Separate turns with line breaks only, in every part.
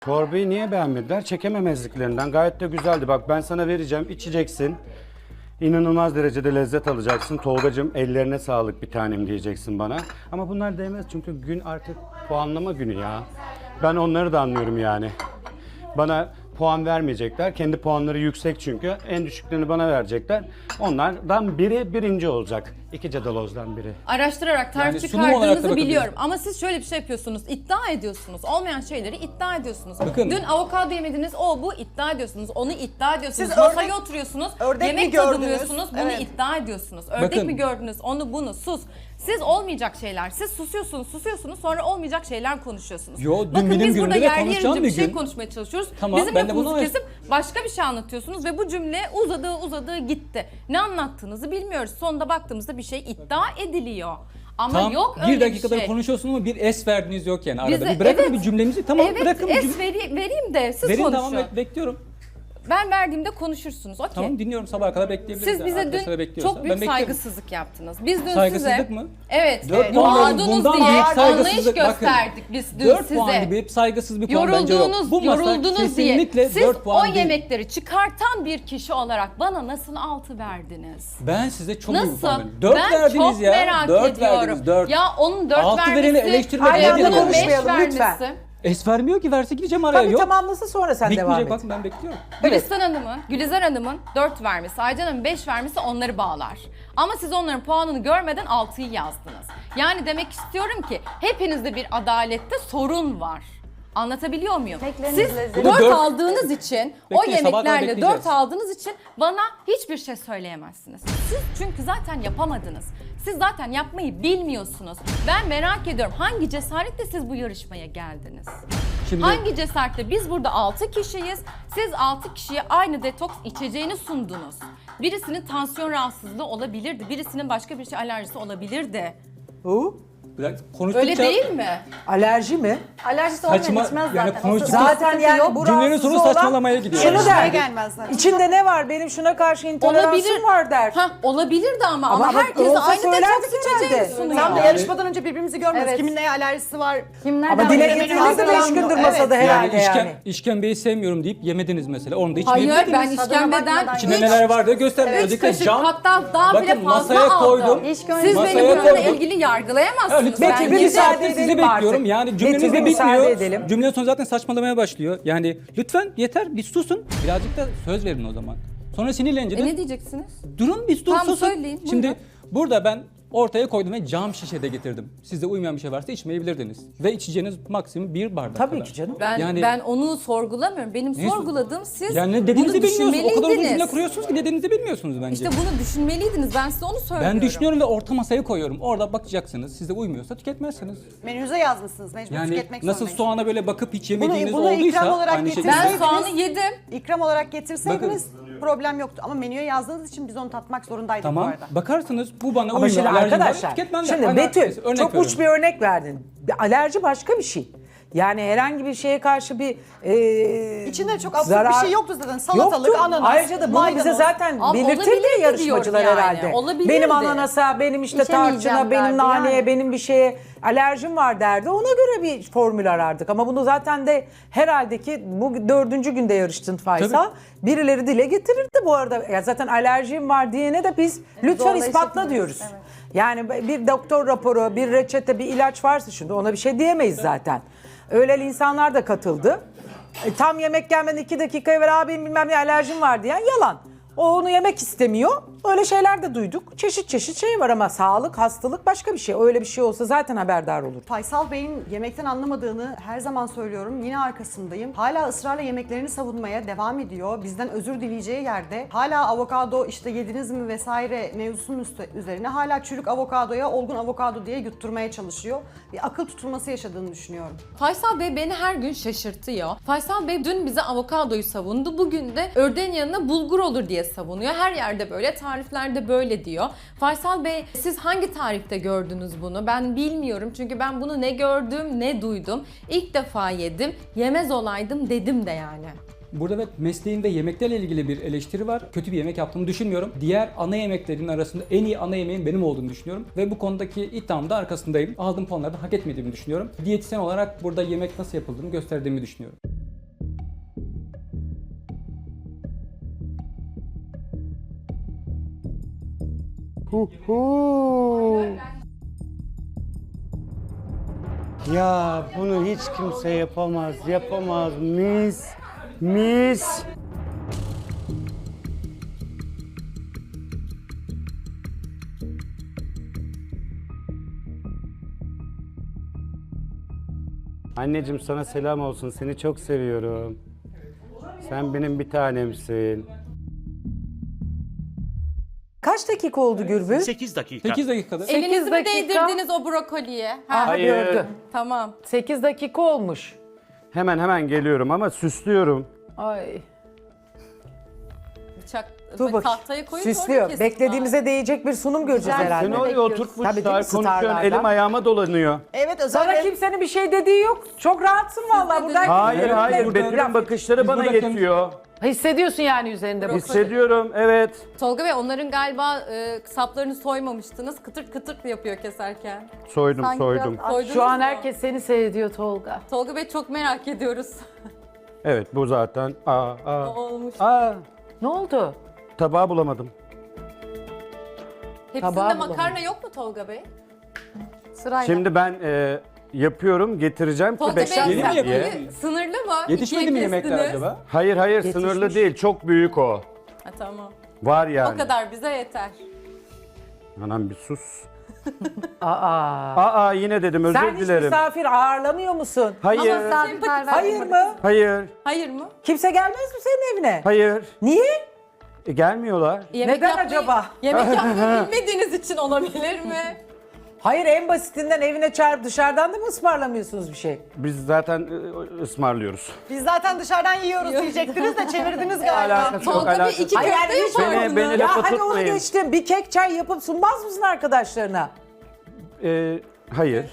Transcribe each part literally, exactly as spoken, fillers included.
Çorbayı niye beğenmediler? Çekememezliklerinden. Gayet de güzeldi. Bak ben sana vereceğim, içeceksin. İnanılmaz derecede lezzet alacaksın. Tolgacığım ellerine sağlık bir tanem diyeceksin bana. Ama bunlar değmez çünkü gün artık puanlama günü ya. Ben onları da anlıyorum yani. Bana puan vermeyecekler. Kendi puanları yüksek çünkü. En düşüklerini bana verecekler. Onlardan biri birinci olacak. İki cadalozdan biri.
Araştırarak tarif
Yani sunum olarak da
çıkardığınızı
bakabiliriz.
biliyorum. Ama siz şöyle bir şey yapıyorsunuz. İddia ediyorsunuz. Olmayan şeyleri iddia ediyorsunuz.
Bakın.
Dün avokado yemediniz. O bu iddia ediyorsunuz. Onu iddia ediyorsunuz.
Siz
Masaya
ördek-
oturuyorsunuz.
ördek mi
yemek
gördünüz?
tadımlıyorsunuz. Bunu
Evet.
iddia ediyorsunuz. Ördek
Bakın.
mi gördünüz? Onu bunu sus. Siz olmayacak şeyler. Siz susuyorsunuz, susuyorsunuz. Sonra olmayacak şeyler konuşuyorsunuz.
Yo, dün
Bakın
benim
biz burada
günümde de
yerli
konuşacağım
yerince
bir
bir şey
gün.
konuşmaya çalışıyoruz.
Tamam,
Bizim
ben de
lafımızı
bunu-
kesip başka bir şey anlatıyorsunuz ve bu cümle uzadığı uzadığı gitti. Ne anlattığınızı bilmiyoruz. Sonunda baktığımızda bir şey iddia ediliyor. Ama
Tam
yok öyle
bir dakikadır
bir şey.
konuşuyorsunuz ama bir es verdiniz yok yani arada.
Bize-
bir bırakın
evet.
bir cümlemizi. Tamam
Evet,
bırakın bir
es
cümle.
veri- vereyim de siz
Verin
konuşun.
tamam bek- bekliyorum.
Ben verdiğimde konuşursunuz. Okey.
Tamam dinliyorum sabaha kadar bekleyebiliriz.
Siz
yani.
bize
Arkadaşlar
dün
bekliyorsa.
çok büyük
Ben bekliyorum.
saygısızlık yaptınız. Biz dün
Saygısızlık
size...
mı?
Evet.
Dört
evet.
puan
Boğardınız
verin, bundan
diye
büyük
anlayış
saygısızlık. Bakın,
gösterdik biz dün
dört
size.
puan gibi saygısız bir puan bence yok.
Yorulduğunuz,
Bu masa
yoruldunuz diye.
kesinlikle
Siz
dört puan
o
değil.
yemekleri çıkartan bir kişi olarak bana nasıl altı verdiniz?
Ben size çok büyük bir
Nasıl?
puan verdim. dört
ben
verdiniz
çok
ya.
merak
dört
ediyorum.
verdiniz dört.
Ya onun dört
Altı
vermesi,
vereni eleştirmek
Aynı anda
nedir yani?
beş
konuşmayalım lütfen.
vermesi.
Es vermiyor ki verse gideceğim araya.
Tabii
yok.
tamamlasın sonra sen devam
Bitmeyecek
et.
bakın ben bekliyorum.
Gülistan Hanım'ın, Gülizar Hanım'ın dört vermesi, Aycan Hanım'ın beş vermesi onları bağlar. Ama siz onların puanını görmeden altıyı yazdınız. Yani demek istiyorum ki hepinizde bir adalette sorun var. Anlatabiliyor muyum?
Yemekleriniz
Siz
lezzetli.
dört
Dört-
aldığınız için, o
Bekleyin, sabaha kadar
yemeklerle
bekleyeceğiz.
dört aldığınız için bana hiçbir şey söyleyemezsiniz. Siz çünkü zaten yapamadınız. Siz zaten yapmayı bilmiyorsunuz. Ben merak ediyorum hangi cesaretle siz bu yarışmaya geldiniz?
Şimdi
Hangi cesaretle? Biz burada altı kişiyiz. Siz altı kişiye aynı detoks içeceğini sundunuz. Birisinin tansiyon rahatsızlığı olabilirdi. Birisinin başka bir şey alerjisi olabilirdi.
Bu
biraz konuştukça
Öyle değil mi?
alerji mi?
Alerjisi olmayan
Saçma-
içmez
yani
zaten.
konuştuk-
O
Zaten
sıkıntı
yani
yok.
bu
Cümlenin
rahatsız
sonu
olan
saçmalamaya gidiyor.
Şunu
Yani.
derdi.
gelmez zaten.
İçinde ne var? Benim şuna karşı intoleransım var der.
Ha, olabilirdi ama ama,
Ama
herkes
olsa
aynı
söylerdik
detoks içeceğini
herhalde.
sunuyor.
Tam
Tam da
Yani-
yarışmadan önce birbirimizi görmüyoruz.
Evet.
Kimin neye alerjisi var?
Kim nereden
Ama dile
bilir?
getirdiniz de beş gündür masada
Evet.
herhalde
Yani
yani.
işkem, işkembeyi sevmiyorum deyip yemediniz mesela. Onu da
Hayır
içmeyebilirdiniz.
ben
Tadına
işkembeden
bakmadan
İçinde
üç-
neler var diye gösterdim.
üç
Özellikle
kaşık
cam.
hatta daha bile
Bakın
fazla
masaya
aldım.
koydum.
İş
Siz
gönlü-
Masaya
beni bununla
koydum.
ilgili yargılayamazsınız.
lütfen
Ben
Peki, bir
yedim.
müsaade
Zaten sizi
edelim
bekliyorum.
artık.
Yani
Betül,
cümleniz
bir
de
müsaade
bitmiyor.
edelim.
Cümlenin sonu zaten saçmalamaya başlıyor. Yani lütfen yeter bir susun. Birazcık da söz verin o zaman. Sonra sinirlenince de
E ne diyeceksiniz?
durun bir dur
Tamam,
susun.
söyleyin, buyurun.
Şimdi burada ben ortaya koydum ve cam şişede getirdim. Sizde uymayan bir şey varsa içmeyebilirdiniz. Ve içeceğiniz maksimum bir bardak
Tabii
kadar.
ki canım.
Ben
Yani-
ben onu sorgulamıyorum. Benim
Neyi sor-
sorguladığım siz
Yani ne
bunu
dediğinizi bilmiyorsunuz. O kadar uzun cümle
düşünmeliydiniz.
kuruyorsunuz ki ne dediğinizi bilmiyorsunuz bence.
İşte bunu düşünmeliydiniz. Ben size onu söylüyorum.
Ben düşünüyorum ve orta masaya koyuyorum. Orada bakacaksınız. Size uymuyorsa tüketmezsiniz.
Menünüze yazmışsınız. Mecbur
Yani
tüketmek
nasıl
zorundayız.
soğana böyle bakıp hiç yemediğiniz
bunu ikram
olduysa
olarak
aynı şekilde.
Ben
getirseydiniz-
soğanı yedim.
İkram olarak getirseydiniz problem yoktu. Ama menüye yazdığınız için biz onu tatmak zorundaydık bu
Tamam.
arada.
Bakarsınız bu bana
Ama
uymuyor.
şimdi
alerjim var,
arkadaşlar,
tüketmem de.
şimdi
Hani
Betül
örnek
çok
veriyorum.
uç bir örnek verdin. Bir alerji başka bir şey. Yani herhangi bir şeye karşı bir e,
İçinde çok absürt
zarar-
bir şey yoktu zaten. Salatalık,
Yoktu.
ananas,
Ayrıca da bunu bize
maydanoz.
zaten
Ama
belirtirdi
olabilirdi
yarışmacılar
diyorum yani.
herhalde.
Olabilirdi.
Benim ananasa, benim işte
İçemeyeceğim
tarçına, benim
derdi
naneye,
yani.
benim bir şeye alerjim var derdi. Ona göre bir formül arardık. Ama bunu zaten de herhalde ki bu dördüncü günde yarıştın Faysal. Birileri dile getirirdi bu arada. Ya zaten alerjim var diyene de biz lütfen
zorla
ispatla
işletmiyoruz.
diyoruz.
Evet.
Yani bir doktor raporu, bir reçete, bir ilaç varsa şimdi ona bir şey diyemeyiz zaten. Öyle insanlar da katıldı. E, tam yemek gelmeden iki dakikaya ver abim bilmem ne alerjim var diyen yalan. O onu yemek istemiyor. Öyle şeyler de duyduk. Çeşit çeşit şey var ama sağlık, hastalık başka bir şey. Öyle bir şey olsa zaten haberdar olur.
Faysal Bey'in yemekten anlamadığını her zaman söylüyorum. Yine arkasındayım. Hala ısrarla yemeklerini savunmaya devam ediyor. Bizden özür dileyeceği yerde hala avokado işte yediniz mi vesaire mevzusunun üstü, üzerine hala çürük avokadoya olgun avokado diye yutturmaya çalışıyor. Bir akıl tutulması yaşadığını düşünüyorum.
Faysal Bey beni her gün şaşırtıyor. Faysal Bey dün bize avokadoyu savundu. Bugün de ördeğin yanına bulgur olur diye savunuyor. Her yerde böyle, tariflerde böyle diyor. Faysal Bey siz hangi tarifte gördünüz bunu? Ben bilmiyorum çünkü ben bunu ne gördüm ne duydum. İlk defa yedim. Yemez olaydım dedim de yani.
Burada evet mesleğin ve yemeklerle ilgili bir eleştiri var. Kötü bir yemek yaptığımı düşünmüyorum. Diğer ana yemeklerin arasında en iyi ana yemeğin benim olduğunu düşünüyorum. Ve bu konudaki iddiamda arkasındayım. Aldığım puanları da hak etmediğimi düşünüyorum. Diyetisyen olarak burada yemek nasıl yapıldığını gösterdiğimi düşünüyorum.
Hu hu. Ya bunu hiç kimse yapamaz, yapamaz. Mis, mis. Anneciğim sana selam olsun. Seni çok seviyorum. Sen benim bir tanemsin.
Kaç dakika oldu Gürbüz?
sekiz dakika.
sekiz dakikada.
Sekiz
Elinizi mi
dakika.
değdirdiniz o brokoliye? Ha,
Aha
Hayır.
gördü.
tamam.
sekiz dakika olmuş.
Hemen hemen geliyorum ama süslüyorum.
Ay.
Bıçak
Dur bak.
tahtaya koyup
Süslüyor.
orada kesin
Beklediğimize değecek bir sunum göreceğiz herhalde.
Seni oraya
Tabii değil
oturtmuşlar,
mi?
konuşuyorsun,
Starlardan.
elim ayağıma dolanıyor.
Evet
Sana
özellikle
kimsenin bir şey dediği yok. Çok rahatsın vallahi. Buradan
Hayır,
Evet,
hayır.
burada-
Betül'ün bakışları
Biz
bana
burada temiz-
yetiyor.
hissediyorsun yani üzerinde bu.
Hissediyorum, evet.
Tolga Bey onların galiba e, saplarını soymamıştınız. Kıtırt kıtırt yapıyor keserken.
Soydum, soydum.
Soydunuz
Şu an
mu?
herkes seni seyrediyor Tolga.
Tolga Bey çok merak ediyoruz.
Evet, bu zaten. Aa, aa.
Olmuş.
Aa,
Ne oldu?
tabağı bulamadım.
Hepsinde
tabağı
makarna yok mu Tolga Bey?
sırayla.
Şimdi ben e, yapıyorum, getireceğim ki
Tolga Bey
bekleyin
Yeni mi
sen-
diye.
yapıyor?
sınırlı mı?
Yetişmedi
İkiye
mi yemekler
kestiniz.
acaba?
Hayır, hayır,
Yetişmiş.
sınırlı değil. Çok büyük o.
Ha, tamam.
Var yani.
O kadar bize yeter.
Anam bir sus.
Aa.
Aa, yine dedim, özür
Sen hiç
dilerim.
misafir ağırlamıyor musun?
Hayır,
Ama sempatik.
Hayır mı?
hayır,
Hayır mı?
Kimse gelmez mi senin evine?
hayır.
Niye?
E, gelmiyorlar.
Yemek
Neden
yapmayı-
acaba?
Yemek yapmayı bilmediğiniz için olabilir mi?
Hayır en basitinden evine çağırıp dışarıdan da mı ısmarlamıyorsunuz bir şey?
Biz zaten e, ısmarlıyoruz.
Biz zaten dışarıdan yiyoruz diyecektiniz de çevirdiniz galiba.
Alakası yok,
Tolga Bey
alakası
iki
yok.
Hayır,
köfte
yani hiç-
yapardınız.
Beni- beni
Ya
lafa
hadi onu
tutmayın.
geçtim. Bir kek çay yapıp sunmaz mısın arkadaşlarına?
E, hayır.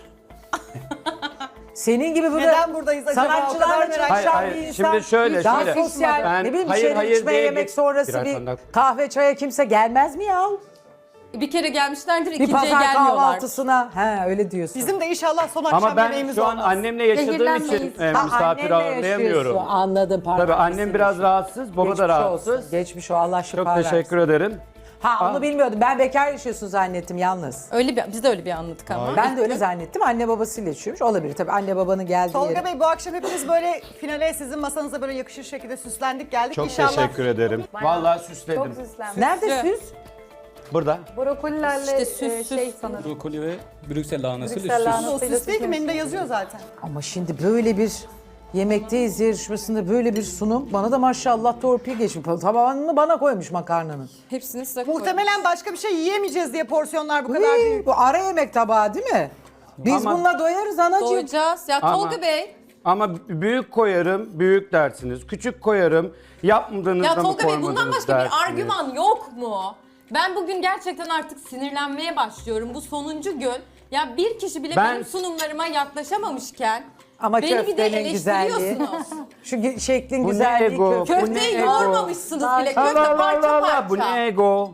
Senin gibi böyle
Neden buradayız acaba? O kadar
sanatçılarla
merak-
çalışan
Hayır, hayır.
bir insan.
Şimdi şöyle,
daha
şöyle.
sosyal,
Ben-
ne bileyim
hayır,
içeri
hayır
içme
diye
yemek
geç-
sonrası
Birer
bir
tane daha-
kahve çaya kimse gelmez mi ya?
Bir kere gelmişlerdir,
Bir
ikinciye
pazar
gelmiyorlar.
kahvaltısına. He öyle diyorsun.
Bizim de inşallah son akşam
Ama ben
yemeğimiz
şu an
olmaz.
annemle yaşadığım için
Zehirlenmeyiz.
e,
Ha,
misafir
annenle
ağırlayamıyorum.
yaşıyorsun. Anladım pardon.
Tabii annem biraz rahatsız, baba
Geçmiş
da rahatsız.
olsun. Geçmiş o Allah şifa
Çok
versin.
teşekkür ederim.
Ha onu bilmiyordum. Ben bekar yaşıyorsun zannettim yalnız.
Öyle bir, biz de öyle bir anladık ama.
Ben de öyle zannettim. Anne babasıyla yaşıyormuş. Olabilir tabii. Anne babanın geldiği
Tolga
yere.
Bey bu akşam hepimiz böyle finale sizin masanıza böyle yakışır şekilde süslendik geldik.
Çok
İnşallah.
teşekkür ederim. Vallahi süsledim.
Nerede süs?
Burada.
Brokolilerle
İşte süs,
e,
süs.
şey sanırım.
Brokoli ve Brüksel lahanası
Brüksel
süs.
lahanası.
O süs değil ki menüde yazıyor zaten.
Ama şimdi böyle bir yemekteyiz yarışmasında böyle bir sunum. Bana da maşallah torpil geçmiş. Tabağını bana koymuş makarnanın.
Hepsini size koydum.
Muhtemelen başka bir şey yiyemeyeceğiz diye porsiyonlar bu kadar
Hii,
büyük.
bu ara yemek tabağı değil mi? Biz
Ama-
bununla doyarız anacığım.
Doyacağız. Ya
Ama-
Tolga Bey.
Ama büyük koyarım, büyük dersiniz. Küçük koyarım, yapmadığınızda
Ya
mı
Tolga Bey bundan
koymadınız
başka
dersiniz.
bir argüman yok mu? Ben bugün gerçekten artık sinirlenmeye başlıyorum. Bu sonuncu gün. Ya bir kişi bile
Ben-
benim sunumlarıma yaklaşamamışken
Ama
beni bir de
köftenin güzelliği.
eleştiriyorsunuz.
Şu ge- şeklin
Bu ne
güzelliği
ego?
köfte.
Bu
Köfteyi
ne ego?
yoğurmamışsınız bile.
Allah
Köfte
Allah
parça
Allah,
parça.
bu ne ego?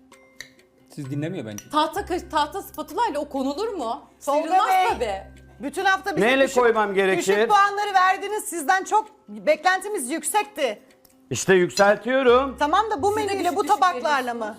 Siz dinlemiyor bence.
Tahta, kaş- tahta spatula ile o konulur mu?
Tolga
Sıyrılmaz
Bey.
tabii.
Bütün hafta bize
Neyle
düşük,
koymam gerekir?
düşük puanları verdiniz. Sizden çok beklentimiz yüksekti.
İşte yükseltiyorum.
Tamam da bu
Siz de
menüyle
düşük
bu
düşük
tabaklarla mı?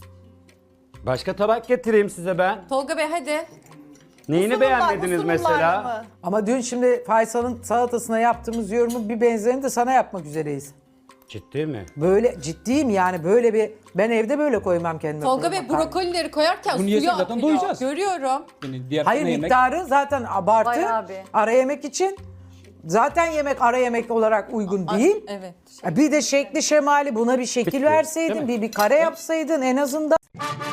Başka tabak getireyim size ben.
Tolga Bey hadi.
Neyini
Sunumlar-
beğenmediniz
bu sunumlarla
mesela?
mı?
Ama dün şimdi Faysal'ın salatasına yaptığımız yorumu bir benzerini de sana yapmak üzereyiz.
Ciddi mi?
Böyle ciddiyim yani böyle bir ben evde böyle koymam kendime.
Tolga
kuru
Bey
makarna.
brokolileri koyarken
Bunu
suyu
yesek
akıyor.
zaten doyacağız.
Görüyorum.
Yani diğer
Hayır
ana yemek.
miktarı zaten abartı.
Bayağı bir.
Ara yemek için zaten yemek ara yemek olarak uygun değil.
Evet.
Bir de şekli şemali buna bir şekil
Bitti,
verseydin,
değil mi?
bir bir kare yapsaydın en azından.